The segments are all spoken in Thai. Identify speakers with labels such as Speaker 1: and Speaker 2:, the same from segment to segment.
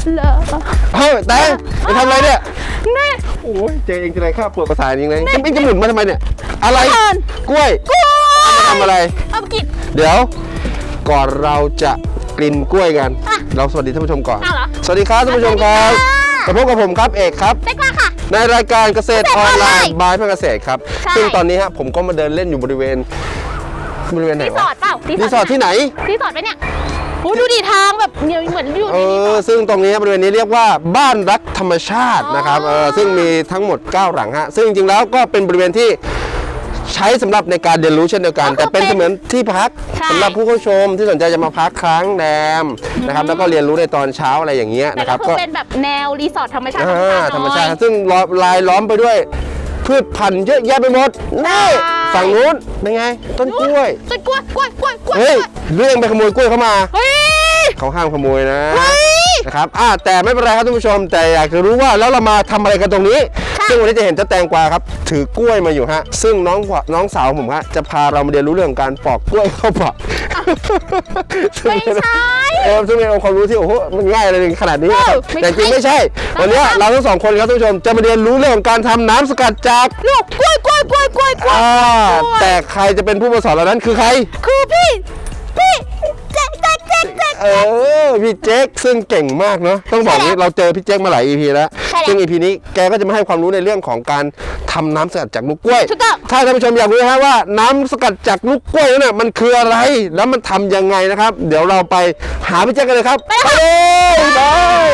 Speaker 1: เหรอ
Speaker 2: เฮ้ยแตงไปทำอะไรเนี่ย
Speaker 1: แม่
Speaker 2: โอ้ยเจอเองทีไรข้าปวดประสาทจริงเลยจะหมุนมาทำไมเนี่ยอะไรกล้วยทำอะไร
Speaker 1: เอากิน
Speaker 2: เดี๋ยวก่อนเราจะกินกล้วยกันเราสวัสดีท่านผู้ชมก่อนสวัสดีครับท่านผู้ชมครับพบกับผมครับเอกครับ
Speaker 1: เด็กมาค่ะ
Speaker 2: ในรายการเกษตรออนไลน์บายเพื่อเกษตรครับซึ่งตอนนี้ฮะผมก็มาเดินเล่นอยู่บริเวณไหน
Speaker 1: รีสอร์ทเปล่า
Speaker 2: รีสอร์ทที่ไหน
Speaker 1: รีสอร์ทไปเนี่ยโอ้ดูดิทางแบบเหมือนอยู่ในรีสอร์ท
Speaker 2: ซึ่งตรงนี้บริเวณนี้เรียกว่าบ้านรักธรรมชาตินะครับซึ่งมีทั้งหมด9หลังฮะซึ่งจริงๆแล้วก็เป็นบริเวณที่ใช้สำหรับในการเรียนรู้เช่นเดียวกันแต่เป็นเหมือนที่พักสำหรับผู้เข้าชมที่สนใจจะมาพักค้างแรมนะครับแล้วก็เรียนรู้ในตอนเช้าอะไรอย่างเงี้ยนะครับ
Speaker 1: ก็เป็นแบบแนวรีสอร์ทธรรมชาติ
Speaker 2: ธรรมชาติซึ่งรายล้อมไปด้วยพืชพันธุ์เยอะแยะไปหมดนี่ฝั่งนู้นเป็นไงต้นกล้วยเฮ้ยเรื่องไปขโมยกล้วยเข้ามาเขาห้ามขโมยนะครับแต่ไม่เป็นไรครับท่านผู้ชมแต่อยากจะรู้ว่าแล้วเรามาทำอะไรกันตรงนี้ซึ่งวันนี้จะเห็นเจ้าแตงกวาครับถือกล้วยมาอยู่ฮะซึ่งน้องสาวผมฮะจะพาเรามาเรียนรู้เรื่องการปอกกล้วยเข้าปาก
Speaker 1: ไม่ใช่
Speaker 2: ซึ่งเป็นองค์ความรู้ที่โอ้โหมันง่ายเลยขนาดนี้แต่จริงไม่ใช่วันนี้เราทั้งสองคนครับท่านผู้ชมจะมาเรียนรู้เรื่องของการทำน้ำสกัดจาก
Speaker 1: ลูกกล้วย
Speaker 2: แต่ใครจะเป็นผู้มาสอนเรานั้นคือใคร
Speaker 1: คือพี่แจ๊ก
Speaker 2: พี่เจ๊กซึ่งเก่งมากเนาะต้องบอกนี้เราเจอพี่เจ๊กมาหลาย EP แล้วซึ่ง EP นี้แกก็จะมาให้ความรู้ในเรื่องของการทำน้ำสกัดจากลูกกล้วยถ้าท่านผู้ชมอยากรู้ว่าน้ำสกัดจากลูกกล้วยเนี่ยมันคืออะไรแล้วมันทำยังไงนะครับเดี๋ยวเราไปหาพี่เจ๊กกันเลยครับไปเลย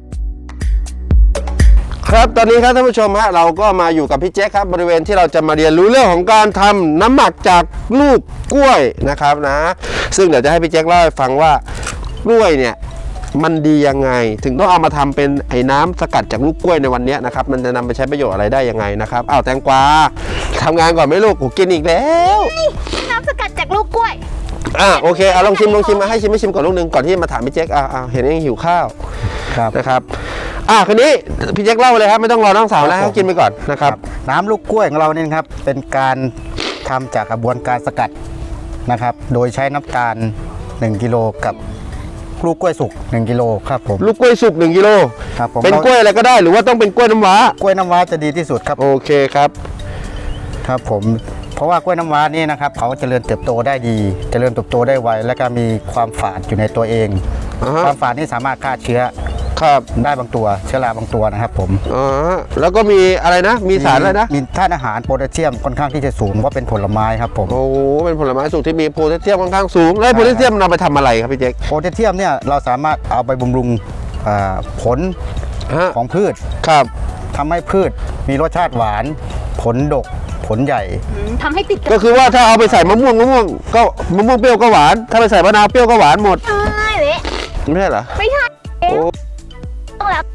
Speaker 2: ครับตอนนี้ครับท่านผู้ชมฮะเราก็มาอยู่กับพี่เจ๊ครับบริเวณที่เราจะมาเรียนรู้เรื่องของการทำน้ำหมักจากลูกกล้วยนะครับนะซึ่งเดี๋ยวจะให้พี่เจ๊เล่าให้ฟังว่ากล้วยเนี่ยมันดียังไงถึงต้องเอามาทำเป็นไอ้น้ำสกัดจากลูกกล้วยในวันนี้นะครับมันจะนำไปใช้ประโยชน์อะไรได้ยังไงนะครับแตงกวาทำงานก่อนไหมลูกกินอีกแล้ว
Speaker 1: น้ำสกัดจากลูกกล้วย
Speaker 2: โอเคลองชิมมาให้ชิมก่อนลูกนึงก่อนที่มาถามพี่เจ๊เห็นยังหิวข้าวนะครับคืนนี้พี่เจ๊กเล่าเลยครับไม่ต้องรอน้องสาวแล้วกินไปก่อนนะครับ
Speaker 3: น้ำลูกกล้วยของเราเนี่ยครับเป็นการทำจากกระบวนการสกัดนะครับโดยใช้น้ำตาล1 กิโลกับลูกกล้วยสุก1 กิโลครับผม
Speaker 2: ลูกกล้วยสุก1 กิโล
Speaker 3: ครับผม
Speaker 2: เป็นกล้วยอะไรก็ได้หรือว่าต้องเป็นกล้วยน้ำว้าก
Speaker 3: ล้วยน้ำว้าจะดีที่สุดครับ
Speaker 2: โอเคครับ
Speaker 3: ผมเพราะว่ากล้วยน้ำว้านี่นะครับเขาเจริญเติบโตได้ดีเจริญเติบโตได้ไวและก็มีความฝาดอยู่ในตัวเองความฝาดนี่สามารถฆ่าเชื้อได้บางตัวเชื้อราบางตัวนะครับผม
Speaker 2: แล้วก็มีอะไรนะมีสารอะไรนะ
Speaker 3: มีธาตุอาหารโพแทสเซียมค่อนข้างที่จะสูงเพราะเป็นผลไม้ครับผม
Speaker 2: เป็นผลไม้สูงที่มีโพแทสเซียมค่อนข้างสูงแล้วโพแทสเซียมนำไปทำอะไรครับพี่เจ๊ก
Speaker 3: โพแทสเซียมเนี่ยเราสามารถเอาไปบำรุงผลของพืชทำให้พืชมีรสชาติหวานผลดกผลใหญ่
Speaker 1: ทำให้ติด
Speaker 2: ก็คือว่าถ้าเอาไปใส่มะม่วงก็มะม่วงเปรี้ยวก็หวานถ้าไปใส่มะนาวเปรี้ยวก็หวานหมด
Speaker 1: ใช่เลย
Speaker 2: ไม่ใช่เหรอ
Speaker 1: ไม่ใช่ต้องแล้ว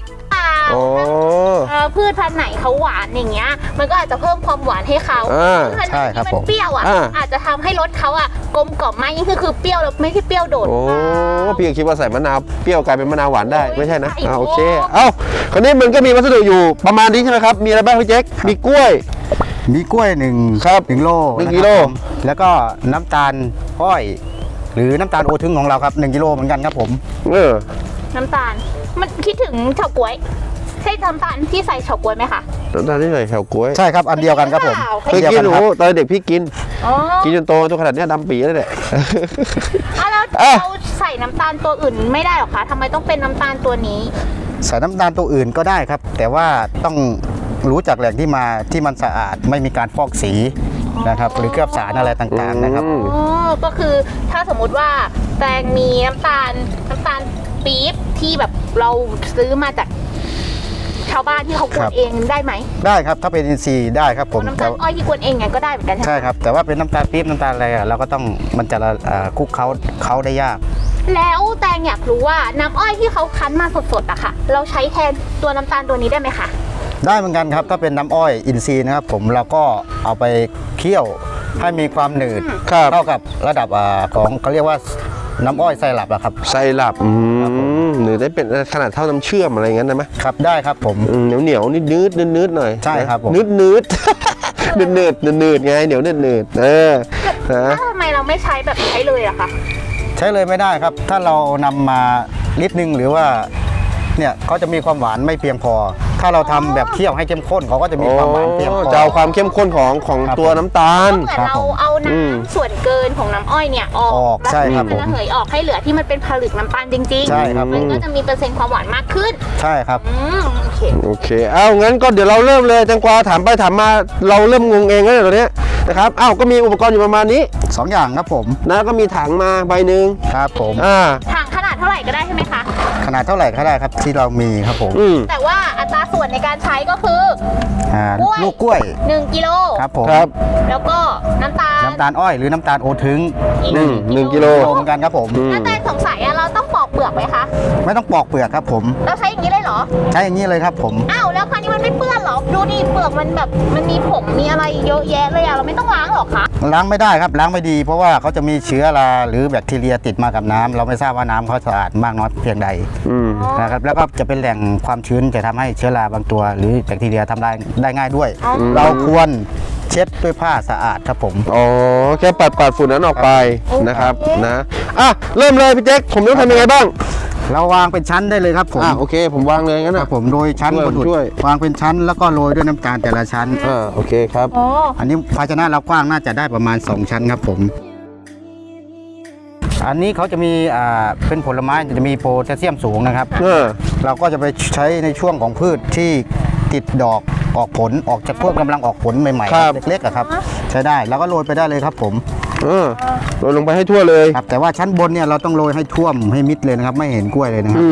Speaker 1: พืชพันธุ์ไหนเขาหวานอย่างเงี้ยมันก็อาจจะเพิ่มความหวานให้เขา
Speaker 3: ใช่ครับ
Speaker 1: ผมเปรี้ยวอาจจะทำให้รสเขากลมกล่อมมากยิ่งคือเปรี้ยวแล้วไม่ใช่เปรี้ยวโดด
Speaker 2: พี่คิดว่าใส่มะนาวเปรี้ยวกลายเป็นมะนาวหวานได้ไม่ใช่นะโอเคคราวนี้มันก็มีวัสดุอยู่ประมาณนี้ใช่ไหมครับมีอะไรบ้างพี่เจ๊กมีกล้วย
Speaker 3: 1 โล
Speaker 2: 1 กิโล
Speaker 3: แล้วก็น้ำตาลอ้อยหรือน้ำตาลโอทึงของเราครับ1 กิโลเหมือนกันครับผม
Speaker 1: น้ำตาลมันคิดถึงเฉาก๊วยใช่น้ำตาลที่ใส่เฉาก๊วยไหมคะ
Speaker 2: น้ำตาลที่ใส่เฉาก๊วย
Speaker 3: ใช่ครับอันเดียวกันครับผม
Speaker 2: เคยกินตอนเด็กพี่กินจนโตตัวขนาดนี้ดำปีแล้วแหละ
Speaker 1: แล้วเราใส่น้ำตาลตัวอื่นไม่ได้หรอคะทำไมต้องเป็นน้ำตาลตัวนี้
Speaker 3: ใส่น้ำตาลตัวอื่นก็ได้ครับแต่ว่าต้องรู้จากแหล่งที่มาที่มันสะอาดไม่มีการฟอกสีนะครับหรือเคลือบสารอะไรต่างๆนะครับ
Speaker 1: ก็คือถ้าสมมุติว่าแตงมีน้ำตาลปี๊บที่แบบเราซื้อมาจากชาวบ้านที่เขากวนเองได้ไหม
Speaker 3: ได้ครับถ้าเป็นอินทรีย์ได้ครับผม
Speaker 1: น้ำตาลอ้อยที่กวนเองไงก็ได้เหมือนกัน
Speaker 3: ใช่ครับแต่ว่าเป็นน้ำตาลปี๊บน้ำตาลอะไรเราก็ต้องมันจะคลุกเขาได้ยาก
Speaker 1: แล้วแตงอยากรู้ว่าน้ำอ้อยที่เขาคั้นมาสดๆอะค่ะเราใช้แทนตัวน้ำตาลตัวนี้ได้ไหมคะ
Speaker 3: ได้เหมือนกันครับถ้าเป็นน้ำอ้อยอินทรีย์นะครับผมเราก็เอาไปเคี่ยวให้มีความหนืดเท่ากับระดับของเขาเรียกว่าน้ำอ้อยไซรัปอะครับ
Speaker 2: ไซรัปหรือได้เป็นขนาดเท่าน้ำเชื่อมอะไรงั้นได้ไหม
Speaker 3: ครับได้ครับผม
Speaker 2: เหนียวนืดหน่อย
Speaker 3: ใช่ครับผม
Speaker 2: นืดไงเหนียวนืด
Speaker 1: ทำไมเราไม่ใช้แบบใช้เลยอะคะ
Speaker 3: ใช้เลยไม่ได้ครับถ้าเรานำมาลิตรนึงหรือว่าเนี่ยเขาจะมีความหวานไม่เพียงพอ ถ้าเราทำแบบเคี่ยวให้เข้มข้นเขาก็จะมีความหวานเพียงพอ
Speaker 2: จะเอาความเข้มข้นของ
Speaker 3: ครับ
Speaker 2: ตัวน้ำตาล
Speaker 1: เหมือนเราเอาน้ำส่วนเกินของน้ำอ้อยเนี่ยออก
Speaker 3: ใช่ครับ
Speaker 1: แล้วมันระเหยออกให้เหลือที่มันเป็นผลึกน้ำตาลจริงๆ
Speaker 3: ใช่ครับ
Speaker 1: มันก็จะมีเปอร์เซ็นต์ความหวานมากขึ้น
Speaker 3: ใช่ครับ
Speaker 1: โอเค
Speaker 2: โอเค เอางั้นก็เดี๋ยวเราเริ่มเลยแตงกวาถามไปถามมาเราเริ่มงงเองแล้วเนี่ยตอนเนี้ยนะครับอ้าวก็มีอุปกรณ์อยู่ประมาณนี้
Speaker 3: 2 อย่างครับผม
Speaker 2: นะก็มีถังมาใบหนึ่ง
Speaker 3: ครับผม
Speaker 1: ถังขนาดเท่าไหร่ก็ได้ใช่ไหมคะ
Speaker 3: ขนาดเท่าไหร่ก็ได้ครับที่เรามีครับผม
Speaker 1: แต่ว่าอัตราส่วนในการใช้ก็คือ
Speaker 3: ลูกกล้วย
Speaker 1: 1 กิโล
Speaker 3: ครับผม
Speaker 2: ครับ
Speaker 1: แล้วก็น้ำตาล
Speaker 3: น้ำตาลอ้อยหรือน้ำตาลโอทึง
Speaker 1: อีก
Speaker 2: 1 กิโล
Speaker 3: เหมือนกันครับผม
Speaker 1: น้าแตนสงสัยอะเราต้องปอกเปลือกไหมคะ
Speaker 3: ไม่ต้องปอกเปลือกครับผม
Speaker 1: เราใช้อย่างนี้เลยเหรอ
Speaker 3: ใช้อย่างนี้เลยครับผม
Speaker 1: อ้าวแล้วคราวนี้มันไม่เปื้อนเหรอ ดูดิเปลือกมันแบบมันมีผงมีอะไรเยอะแยะเลยอะเราไม่ต้องล้างหรอคะ
Speaker 3: ล้างไม่ได้ครับล้างไม่ดี เพราะว่าเขาจะมีเชื้อราหรือแบคทีเรียติดมากับน้ำเราไม่ทราบว่าน้ำเขาสะอาดมากน้อยเพียงใดนะครับแล้วก็จะเป็นแหล่งความชื้นจะทำให้เชื้อราบางตัว หรือแบคทีเรียทำลายได้ง่ายด้วย เราควรเช็ดด้วยผ้าสะอาดครับผม
Speaker 2: อ๋อแค่ปัดฝุ่นนั้นออกไปนะครับนะเริ่มเลยพี่แจ็คผมต้องทำยังไงบ้าง
Speaker 3: เราวางเป็นชั้นได้เลยครับผม
Speaker 2: โอเคผมวางเลยงั้น
Speaker 3: ค
Speaker 2: นะ
Speaker 3: รับผมโรยชั้น
Speaker 2: ช่วย
Speaker 3: บน
Speaker 2: ช่วย
Speaker 3: วางเป็นชั้นแล้วก็โรยด้วยน้ำตาลแต่ละชั้น
Speaker 2: โอเคครับ
Speaker 1: โอ้
Speaker 3: อันนี้ภาชนะเรากว้างน่าจะได้ประมาณ 2 ชั้นครับผม อันนี้เขาจะมีเป็นผลไม้จะมีโพแทสเซียมสูงนะครับ เราก็จะไปใช้ในช่วงของพืชที่ติดดอกออกผลออกจากพวกกำลังออกผลใหม่
Speaker 2: ครับ
Speaker 3: ๆเล็กๆอะครับใช้ได้แล้วก็โรยไปได้เลยครับผม
Speaker 2: โรยลงไปให้ทั่วเลย
Speaker 3: ครับแต่ว่าชั้นบนเนี่ยเราต้องโรยให้ท่วมให้มิดเลยนะครับไม่เห็นกล้วยเลยนะครับ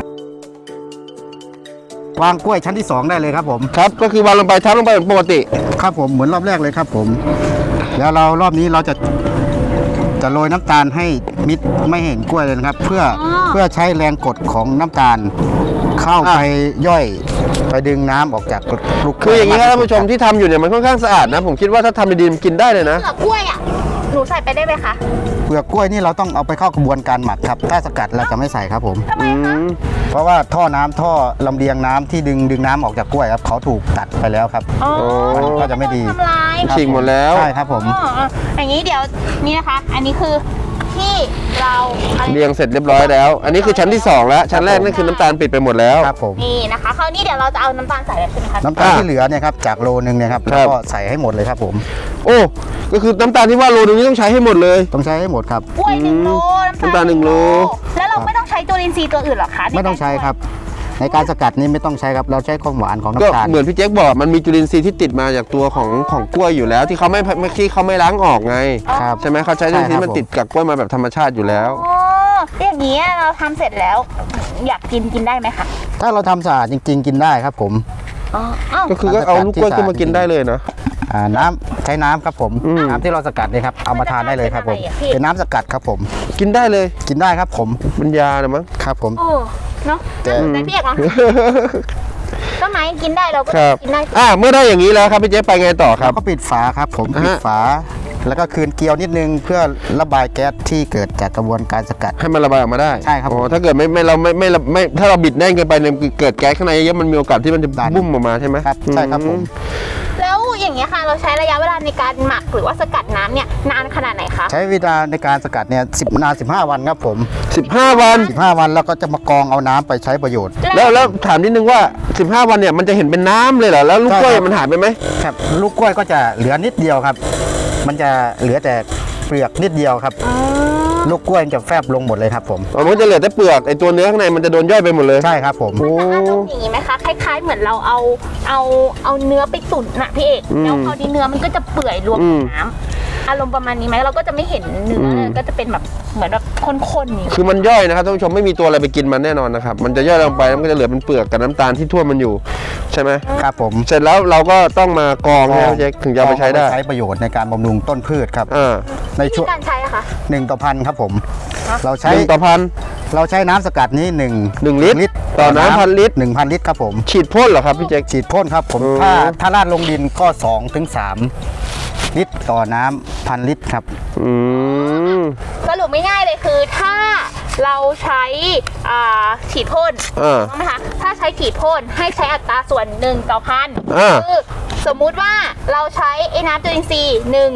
Speaker 3: วางกล้วยชั้นที่ 2 ได้เลยครับผม
Speaker 2: ครับก็คือวางลงไปทับลงไปเหมือนปกติ
Speaker 3: ครับผมเหมือนรอบแรกเลยครับผม แล้วเรารอบนี้เราจะโรยน้ำตาลให้มิดไม่เห็นกล้วยเลยนะครับ เพื่อใช้แรงกดของน้ำตาลเข้าไปย่อยไปดึงน้ำออกจากลูก
Speaker 2: คืออย่างนี้ครับท่านผู้ชมที่ทำอยู่เนี่ยมันค่อนข้างสะอาดนะผมคิดว่าถ้าทำดีๆมันกินได้เลยนะ
Speaker 1: เปลือกกล้วยอะหนูใส่ไปได้ไหมคะ
Speaker 3: เปลือกกล้วยนี่เราต้องเอาไปเข้ากระบวนการหมักครับถ้าสกัดเราจะไม่ใส่ครับผม
Speaker 1: ทำไมคะ
Speaker 3: เพราะว่าท่อลำเลียงน้ำที่ดึงน้ำออกจากกล้วยครับเขาถูกตัดไปแล้วครับ
Speaker 1: อ๋อ
Speaker 3: มันก็จะไม่ดี
Speaker 1: ทำลาย
Speaker 2: ฉีกหมดแล้ว
Speaker 3: ใช่ครับผม
Speaker 1: อย่างนี้เดี๋ยวนี่นะคะ อันนี้คือที่เราอะไร
Speaker 2: เรียงเสร็จเรียบร้อยแล้ว อันนี้คือชั้นที่ 2 แล้ว ชั้นแรกนั่นคือน้ำตาลปิดไปหมดแล้ว
Speaker 3: ครับผม
Speaker 1: นี่นะคะคราวนี้เดี๋ยวเราจะเอาน้ำตาลใส่แล้วใช่ไหมคะ
Speaker 3: น้ำตาลที่เหลือเนี่ยครับจากโลนึงเนี่ยครับ
Speaker 2: ครั
Speaker 3: แล้
Speaker 2: บ
Speaker 3: วก็ใส่ให้หมดเลยครับผม
Speaker 2: โอ้ก็คือน้ำตาลที่ว่าโลนึงนี่ต้องใช้ให้หมดเลย
Speaker 3: ต้องใช้ให้หมดครับ
Speaker 1: กล้วย1 โล
Speaker 2: น้ำตาล1 โล
Speaker 1: แล้วเราไม่ต้องใช้จุลินทรีย์ตัวอื่นหรอคะ
Speaker 3: ไม่ต้องใช้ครับ ในการสกัดนี้ไม่ต้องใช้ครับเราใช้ความหวานของ
Speaker 2: ก็
Speaker 3: น้ำตาล
Speaker 2: เหมือนพี่แจ็คบอกมันมีจุลินทรีย์ที่ติดมาจากตัวของกล้วยอยู่แล้ว ที่เขาไม่ล้างออกไง
Speaker 3: ครับ
Speaker 2: ใช่ไหมเขาใช้จุลินทรีย์ที่มันติดกับกล้วยมาแบบธรรมชาติอยู่แล้ว
Speaker 1: อ๋ออย่างนี้เราทำเสร็จแล้ว อยากกินได้ไหมคะ
Speaker 3: ถ้าเราทำสะอาดจริง ๆ กินได้ครับผม
Speaker 1: อ๋ออ้าว
Speaker 2: ก็คือก็เอาลูกกล้วยขึ้นมากินได้เลยนะ
Speaker 3: น้ำใช้น้ำครับผมน้ำที่เราสกัดนี่ครับเอามาทานได้เลยครับผมเป็นน้ำสกัดครับผม
Speaker 2: กินได้เลย
Speaker 3: กินได้ครับผม
Speaker 2: มันยาเหรือมั้ง
Speaker 3: ครับผม
Speaker 1: โอ้เนาะ
Speaker 3: แต่
Speaker 1: แต่พี่เอกเนาะต้นไม้กินได้เราก็
Speaker 2: ครับ
Speaker 1: กินได้
Speaker 2: เมื่อได้อย่างนี้แล้วครับพี่แจ็คไปไงต่อครับ
Speaker 3: ก็ปิดฝาครับผม
Speaker 2: อ่าฮะ
Speaker 3: ปิดฝา แล้วก็คืนเกลียวนิดนึงเพื่อระบายแก๊สที่เกิดจากกระบวนการสกัด
Speaker 2: ให้มันระบายออกมาได้
Speaker 3: ใช่ครับ
Speaker 2: อ๋อถ้าเกิดไม่ถ้าเราบิดแน่นเกินไปเนี่ยเกิดแก๊สข้างในเยอะมันมีโอกาสที่มันจะ
Speaker 3: ดัน
Speaker 2: บุ้มออกมาใช่ไหม
Speaker 3: ครับใช่ครับผม
Speaker 1: แล้วอย่างเงี้ยค่ะ เราใช้ระยะเวลาในการหมักหรือว่าสกัดน้ำเนี่ยนานขนาดไหนคะ
Speaker 3: ใช้เวลาในการสกัดเนี่ย15 วันครับผม
Speaker 2: 15 วัน
Speaker 3: 15 วันแล้วก็จะมากรองเอาน้ำไปใช้ประโยชน์
Speaker 2: แล้วถามนิดนึงว่า 15 วันเนี่ยมันจะเห็นเป็นน้ำเลยเหรอแล้วลูกกล้วย
Speaker 3: ใช่ครับ
Speaker 2: มันหายไปไหม
Speaker 3: ครับลูกกล้วยก็จะเหลือนิดเดียวครับ มันจะเหลือแต่เปลือกนิดเดียวครับ ลูกกล้วยจะแฟบลงหมดเลยครับผม
Speaker 2: มันก็จะเหลือแต่เปลือกไอตัวเนื้อข้างในมันจะโดนย่อยไปหมดเลย
Speaker 3: ใช่ครับผม
Speaker 2: โอ้
Speaker 1: อารมณ์อย่างงี้ไหมคะคล้ายๆเหมือนเราเอาเนื้อไปตุ๋นน่ะพี่เอกแล้วพอดีเนื้อมันก็จะเปื่อยรวมกับน้ำอารมณ์ประมาณนี้ไหมเราก็จะไม่เห็นเนื้อเลยก็จะเป็นแบบเหมือนแบบข้นๆนี่
Speaker 2: คือมันย่อยนะครับท่านผู้ชมไม่มีตัวอะไรไปกินมันแน่นอนนะครับมันจะย่อยลงไปแล้วมันก็จะเหลือเป็นเปลือกกับน้ำตาลที่ท่วมมันอยู่ใช่ไหม
Speaker 3: ครับผม
Speaker 2: เสร็จแล้วเราก็ต้องมากรองให้เจ๊ถึงจะเอาไปใช้ได้
Speaker 3: ใช้ประโยชน์ในการบำรุงต้นพืชครับ ใน
Speaker 1: วิ
Speaker 3: ช่
Speaker 1: ธี
Speaker 3: วง
Speaker 1: การใช้อะคะ
Speaker 3: 1 ต่อพันครับผม เราใช้
Speaker 2: 1 ต่อพัน
Speaker 3: เราใช้น้ำสกัดนี้1
Speaker 2: ลิตรต่อน้ำ1,000 ลิตร
Speaker 3: 1,000 ลิตรครับผม
Speaker 2: ฉีดพ่นเหรอครับพี่แจ็ค
Speaker 3: ฉีดพ่นครับผม ถ้าราดลงดินก็2 ถึง 3 ลิตรต่อน้ำ1,000 ลิตรครับ
Speaker 1: สรุปไม่ง่ายเลยคือถ้าเราใช้ฉีดพ่นถูกไหมคะถ้าใช้ฉีดพ่นให้ใช้อัตราส่วน1 ต่อพันคือสมมุติว่าเราใช้ไอ้น้ำจุลินทรีย์1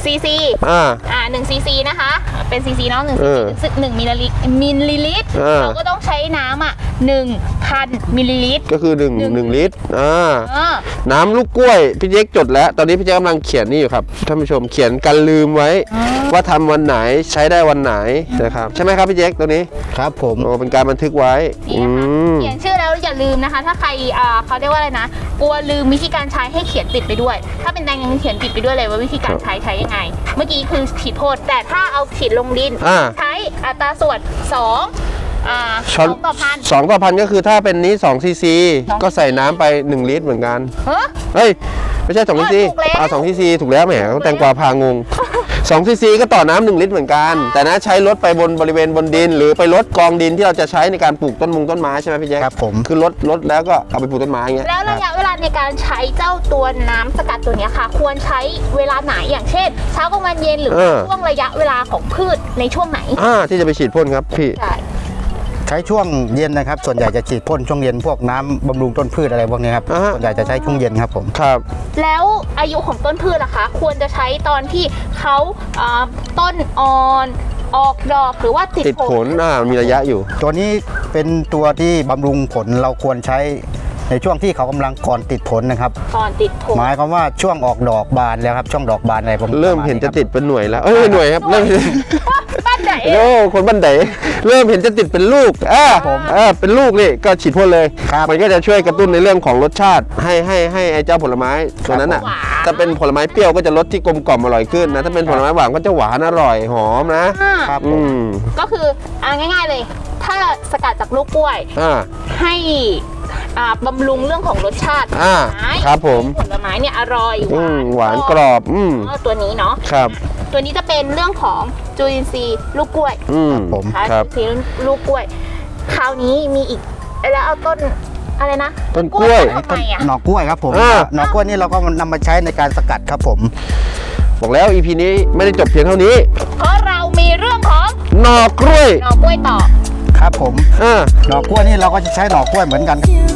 Speaker 1: ซีซี 1 ซีซีนะคะเป็นซีซีเนาะ1 ซีซี1 มิลลิลิตรเราก็ต้องใช้น้ำ1,000 มิลลิลิตร
Speaker 2: ก็คือ1 ลิตรน้ำลูกกล้วยพี่เจ๊กจดแล้วตอนนี้พี่เจ๊กกำลังเขียนนี่อยู่ครับท่านผู้ชมเขียนกันลืมไว้ว่าทำวันไหนใช้ได้วันไหนนะครับใช่ไหมครับพี่เจ๊กตัวนี้
Speaker 3: ครับผม
Speaker 2: เป็นการบันทึกไว้
Speaker 1: เขียนชื่อแล้วอย่าลืมนะคะถ้าใครเขาเรียกว่าอะไรนะกลัวลืมวิธีการใช้ให้เขียนติดไปด้วยถ้าเป็นแตงยังเขียนติดไปด้วยเลยว่าวิธีการใช้ยังไงเมื่อกี้คือฉีดพ่นแต่ถ้าเอาฉีดลงดินใช้อัตราส่วน2 ต่อพัน
Speaker 2: 2 ต่อพันก็คือถ้าเป็นนี้2 ซีซีก็ใส่น้ำไป1 ลิตรเหมือนกันเฮ้ยไม่ใช่2 ซีซี2 ซีซีถูกแล้วแหมแตงกวาพางง2 ซีซีก็ต่อน้ำ1 ลิตรเหมือนกันแต่นะใช้ลดไปบริเวณบนดินหรือไปลดกองดินที่เราจะใช้ในการปลูกต้นไม้ใช่ไหมพี่แจ๊ค
Speaker 3: ครับผม
Speaker 2: คือลดแล้วก็เอาไปปลูกต้นไม้เงี้ย
Speaker 1: แล้วระยะเวลาในการใช้เจ้าตัวน้ำสกัดตัวนี้ค่ะควรใช้เวลาไหนอย่างเช่นเช้ากลางวันเย็นหรือช่วงระยะเวลาของพืชในช่วงไหน
Speaker 2: ที่จะไปฉีดพ่นครับพี่
Speaker 3: ใช้ช่วงเย็นนะครับส่วนใหญ่จะฉีดพ่นช่วงเย็นพวกน้ำบำรุงต้นพืชอะไรพวกนี้ครับส่วนใหญ่จะใช้ช่วงเย็นครับผม
Speaker 2: ครับ
Speaker 1: แล้วอายุของต้นพืชล่ะคะควรจะใช้ตอนที่เขาต้นอ่อนออกดอกหรือว่าติดผล
Speaker 2: มีระยะอยู่
Speaker 3: ตัวนี้เป็นตัวที่บำรุงผลเราควรใช้ในช่วงที่เขากำลังก่อนติดผลนะครับ
Speaker 1: ก่อนติดผล
Speaker 3: หมายความว่าช่วงออกดอกบานแล้วครับช่วงดอกบานอะไรผม
Speaker 2: เริ่มเห็นจะติดเป็นหน่วยแล้วหน่วยครับเริ่ม
Speaker 1: บ้านไหน
Speaker 2: คนบ้านไหนเริ่มเห็นจะติดเป็นลูกเป็นลูกนี่ก็ฉีดพ่นเลยมันก็จะช่วยกระตุ้นในเรื่องของรสชาติให้ไอ้เจ้าผลไม้ตัวนั้นถ้าเป็นผลไม้เปรี้ยวก็จะรสที่กลมกล่อมอร่อยขึ้นนะถ้าเป็นผลไม้หวานก็จะหวานอร่อยหอมนะครับ
Speaker 1: ก็คือง่ายๆเลยถ้าสกัดจากลูกกล้วยให้บำรุงเรื่องของรสชาติ
Speaker 2: ครับผม
Speaker 1: ผลไม้เนี่ยอร่อย
Speaker 2: หวานกรอบ
Speaker 1: ตัวนี้เนาะ
Speaker 2: ครับ
Speaker 1: ตัวนี้จะเป็นเรื่องของจุลินทรีย์ลูกกล้วย
Speaker 2: ผมครับ
Speaker 1: จุลินทรีย์ลูกกล้วยคราวนี้มีอีกแล้วเอาต้นอะไรนะ
Speaker 2: ต้นกล้วย
Speaker 3: หน่อกล้วยครับผมหน่อกล้วยนี่เราก็นำมาใช้ในการสกัดครับผม
Speaker 2: บอกแล้ว EP นี้ไม่ได้จบเพียงเท่านี้
Speaker 1: เพราะเรามีเรื่องของ
Speaker 2: หน่อกล้วย
Speaker 1: ต่อ
Speaker 3: ครับผมหน่อกล้วยนี่เราก็จะใช้หน่อกล้วยเหมือนกัน